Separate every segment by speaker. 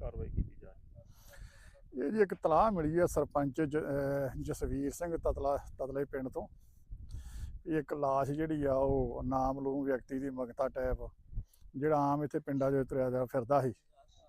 Speaker 1: कार्रवाई की जा रही है?
Speaker 2: ਇਹ ਜੀ ਇੱਕ ਤਲਾਹ ਮਿਲੀ ਆ ਸਰਪੰਚ ਜਸਵੀਰ ਸਿੰਘ ਤਤਲੇ ਪਿੰਡ ਤੋਂ। ਇੱਕ ਲਾਸ਼ ਜਿਹੜੀ ਆ ਉਹ ਨਾਮਲੂਮ ਵਿਅਕਤੀ ਦੀ ਮਗਤਾ ਟੈਪ ਜਿਹੜਾ ਆਮ ਇੱਥੇ ਪਿੰਡਾਂ 'ਚ ਤੁਰਿਆ ਫਿਰਦਾ ਸੀ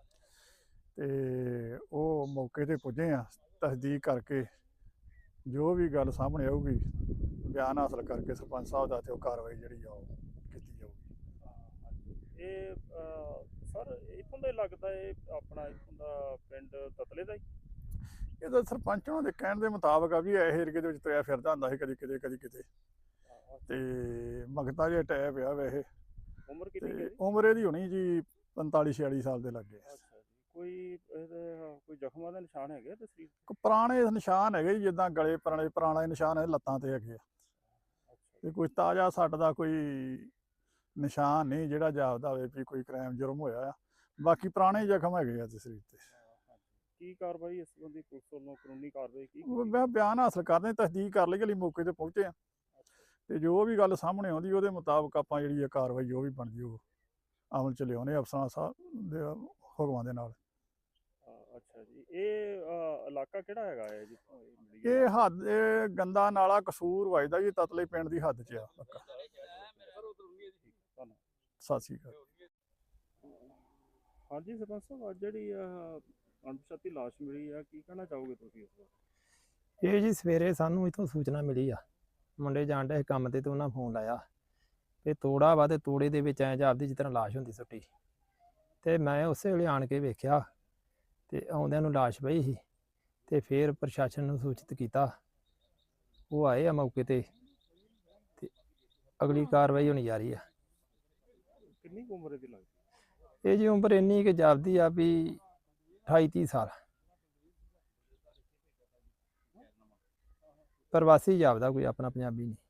Speaker 2: ਤੇ ਉਹ ਮੌਕੇ ਤੇ ਪੁੱਜੇ ਆ। ਤਸਦੀਕ ਕਰਕੇ ਜੋ ਵੀ ਗੱਲ ਸਾਹਮਣੇ ਆਊਗੀ ਬਿਆਨ ਹਾਸਲ ਕਰਕੇ ਸਰਪੰਚ ਸਾਹਿਬ ਦਾ ਤੇ ਉਹ ਕਾਰਵਾਈ ਜਿਹੜੀ ਆ ਉਹ ਕੀਤੀ ਜਾਊਗੀ।
Speaker 1: ਇਹ ਸਰ ਇੱਥੋਂ ਦਾ ਹੀ ਲੱਗਦਾ ਇਹ ਆਪਣਾ ਇੱਥੋਂ ਦਾ ਪਿੰਡ ਤਤਲੇ ਦਾ ਹੀ?
Speaker 2: ਇਹ ਤਾਂ ਸਰਪੰਚ ਉਹਨਾਂ ਦੇ ਕਹਿਣ ਦੇ ਮੁਤਾਬਕ ਆ ਵੀ ਇਹ ਏਰੀਏ ਦੇ ਵਿੱਚ ਤੁਰਿਆ ਫਿਰਦਾ ਹੁੰਦਾ ਸੀ ਕਦੀ ਕਿਤੇ ਕਦੀ ਕਿਤੇ ਤੇ ਮਗਤਾ ਜਿਹਾ ਟੈਪ ਆ ਵੈਸੇ।
Speaker 1: ਉਮਰ ਕਿੰਨੀ ਹੈ?
Speaker 2: ਉਮਰ ਇਹਦੀ ਹੋਣੀ ਜੀ 45-46 ਸਾਲ ਦੇ ਲੱਗੇ।
Speaker 1: ਅੱਛਾ ਜੀ। ਕੋਈ ਜ਼ਖਮਾਂ ਦੇ ਨਿਸ਼ਾਨ ਹੈਗੇ ਤੇ ਸਰੀਰ?
Speaker 2: ਪੁਰਾਣੇ ਨਿਸ਼ਾਨ ਹੈਗੇ ਜੀ, ਜਿੱਦਾਂ ਗਲੇ ਪੁਰਾਣੇ ਨਿਸ਼ਾਨ ਹੈ ਲੱਤਾਂ ਤੇ ਹੈਗੇ ਆ ਤੇ ਕੋਈ ਤਾਜ਼ਾ ਸੱਟ ਦਾ ਕੋਈ ਨਿਸ਼ਾਨ ਨਹੀਂ ਜਿਹੜਾ ਜਾਪਦਾ ਹੋਵੇ ਵੀ ਕੋਈ ਕ੍ਰਾਈਮ ਜੁਰਮ ਹੋਇਆ ਆ। ਬਾਕੀ ਪੁਰਾਣੇ ਜ਼ਖਮ ਹੈਗੇ ਆ ਤੇ ਸਰੀਰ ਤੇ।
Speaker 1: ਕੀ ਕਾਰਵਾਈ ਇਸ ਸੰਬੰਧੀ ਪੁਲਿਸ ਵੱਲੋਂ ਕਾਨੂੰਨੀ ਕਾਰਵਾਈ ਕੀ?
Speaker 2: ਮੈਂ ਬਿਆਨ ਹਾਸਲ ਕਰਦੇ ਤਸਦੀਕ ਕਰ ਲਈ, ਮੌਕੇ ਤੇ ਪਹੁੰਚੇ ਆ ਤੇ ਜੋ ਵੀ ਗੱਲ ਸਾਹਮਣੇ ਆਉਂਦੀ ਉਹਦੇ ਮੁਤਾਬਕ ਆਪਾਂ ਜਿਹੜੀ ਕਾਰਵਾਈ ਜੋ ਵੀ ਬਣਦੀ ਉਹ ਅਮਲ ਚ ਲਿਆਉਣੇ ਅਫਸਰਾਂ ਸਾਹਿਬ ਦੇ ਹੁਕਮਾਂ ਦੇ ਨਾਲ।
Speaker 1: ਅੱਛਾ ਜੀ। ਇਹ ਇਲਾਕਾ ਕਿਹੜਾ ਹੈਗਾ ਹੈ ਜਿੱਥੋਂ ਇਹ ਮਿਲੀ?
Speaker 2: ਇਹ ਹੱਦ ਗੰਦਾ ਨਾਲਾ ਕਸੂਰ ਵੱਜਦਾ ਜੀ, ਤਤਲੇ ਪਿੰਡ ਦੀ ਹੱਦ 'ਚ ਆ ਪੱਕਾ। ਸਤਿ ਸ਼੍ਰੀ ਅਕਾਲ।
Speaker 1: ਹਾਂਜੀ ਸਰਪੰਚ ਸਾਹਿਬ, ਅੱਜ ਜਿਹੜੀ ਅਣਪਛਾਤੀ ਲਾਸ਼ ਮਿਲੀ ਆ, ਕੀ ਕਹਿਣਾ ਚਾਹੋਗੇ ਤੁਸੀਂ ਇਸ ਬਾਰੇ?
Speaker 3: ਇਹ ਜੀ ਸਵੇਰੇ ਸਾਨੂੰ ਇੱਥੋਂ ਸੂਚਨਾ ਮਿਲੀ ਆ, ਮੁੰਡੇ ਜਾਣ ਡੇ ਕੰਮ ਤੇ ਉਹਨਾਂ ਫੋਨ ਲਾਇਆ ਤੇ ਤੋੜਾ ਵਾ ਤੇ ਤੋੜੇ ਦੇ ਵਿੱਚ ਐਂ ਜਾਪਦੀ ਜਿਸ ਤਰ੍ਹਾਂ ਲਾਸ਼ ਹੁੰਦੀ ਸੁੱਟੀ ਤੇ ਮੈਂ ਉਸੇ ਵੇਲੇ ਆਣ ਕੇ ਵੇਖਿਆ ਤੇ ਆਉਂਦਿਆਂ ਨੂੰ ਲਾਸ਼ ਪਈ ਸੀ ਤੇ ਫਿਰ ਪ੍ਰਸ਼ਾਸਨ ਨੂੰ ਸੂਚਿਤ ਕੀਤਾ। ਉਹ ਆਏ ਆ ਮੌਕੇ ਤੇ ਅਗਲੀ ਕਾਰਵਾਈ ਹੋਣੀ ਜਾ ਰਹੀ ਆ।
Speaker 1: ਕਿੰਨੀ ਉਮਰ ਦੀ ਲੱਗਦੀ?
Speaker 3: ਇਹ ਜੀ ਉਮਰ ਇੰਨੀ ਕਿ ਜਾਪਦੀ ਆ ਵੀ 28-30 ਸਾਲ। ਪ੍ਰਵਾਸੀ ਜਾਪਦਾ, ਕੋਈ ਆਪਣਾ ਪੰਜਾਬੀ ਨਹੀਂ।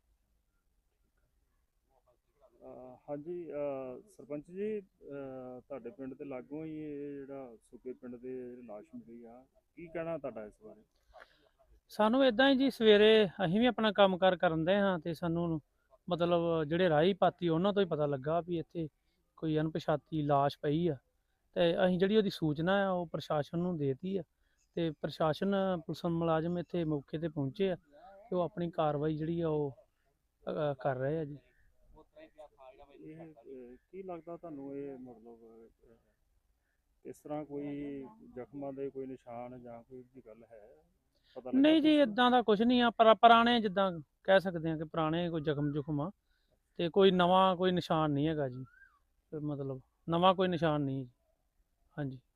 Speaker 1: ਹਾਂਜੀ ਸਰਪੰਚ ਜੀ, ਤੁਹਾਡੇ ਪਿੰਡ ਦੇ ਲਾਗੋਂ ਹੀ ਇਹ ਜਿਹੜਾ ਸੁੱਕੇ ਪਿੰਡ ਦੇ ਲਾਸ਼ ਮਿਲੀ ਆ, ਕੀ ਕਹਿਣਾ ਤੁਹਾਡਾ ਇਸ ਬਾਰੇ?
Speaker 4: ਸਾਨੂੰ ਇਦਾਂ ਹੀ ਜੀ, ਸਵੇਰੇ ਅਸੀਂ ਵੀ ਆਪਣਾ ਕੰਮਕਾਰ ਕਰਨ ਦੇ ਹਾਂ ਤੇ ਸਾਨੂੰ ਮਤਲਬ ਜਿਹੜੇ ਰਾਹੀ ਪਾਤੀ ਉਹਨਾਂ ਤੋਂ ਹੀ ਪਤਾ ਲੱਗਾ ਵੀ ਇੱਥੇ ਕੋਈ ਅਣਪਛਾਤੀ ਲਾਸ਼ ਪਈ ਆ ਤੇ ਅਸੀਂ ਜਿਹੜੀ ਉਹਦੀ ਸੂਚਨਾ ਆ ਉਹ ਪ੍ਰਸ਼ਾਸਨ ਨੂੰ ਦੇਤੀ ਆ ਤੇ ਪ੍ਰਸ਼ਾਸਨ ਪੁਲਿਸ ਮੁਲਾਜ਼ਮ ਇੱਥੇ ਮੌਕੇ ਤੇ ਪਹੁੰਚੇ ਆ ਤੇ ਉਹ ਆਪਣੀ ਕਾਰਵਾਈ ਜਿਹੜੀ ਆ ਉਹ ਕਰ ਰਹੇ ਆ ਜੀ।
Speaker 1: ਇਹ ਕੀ ਲੱਗਦਾ ਤੁਹਾਨੂੰ, ਇਹ ਮਤਲਬ ਇਸ ਤਰ੍ਹਾਂ ਕੋਈ ਜ਼ਖਮਾਂ ਦੇ ਕੋਈ ਨਿਸ਼ਾਨ ਜਾਂ ਕੋਈ ਦੀ ਗੱਲ ਹੈ? ਪਤਾ ਲੱਗਾ
Speaker 4: ਨਹੀਂ ਜੀ,
Speaker 1: ਕੁਛ?
Speaker 4: ਇਦਾਂ ਦਾ ਕੁਝ ਨਹੀਂ ਆ, ਪਰ ਪੁਰਾਣੇ ਜਿੱਦਾਂ ਕਹਿ ਸਕਦੇ ਆ ਕਿ ਪੁਰਾਣੇ ਕੋਈ ਜ਼ਖਮ ਆ ਤੇ ਕੋਈ ਨਵਾਂ ਕੋਈ ਨਿਸ਼ਾਨ ਨਹੀਂ ਹੈਗਾ ਜੀ, ਮਤਲਬ ਨਵਾਂ ਕੋਈ ਨਿਸ਼ਾਨ ਨਹੀਂ। ਹਾਂਜੀ।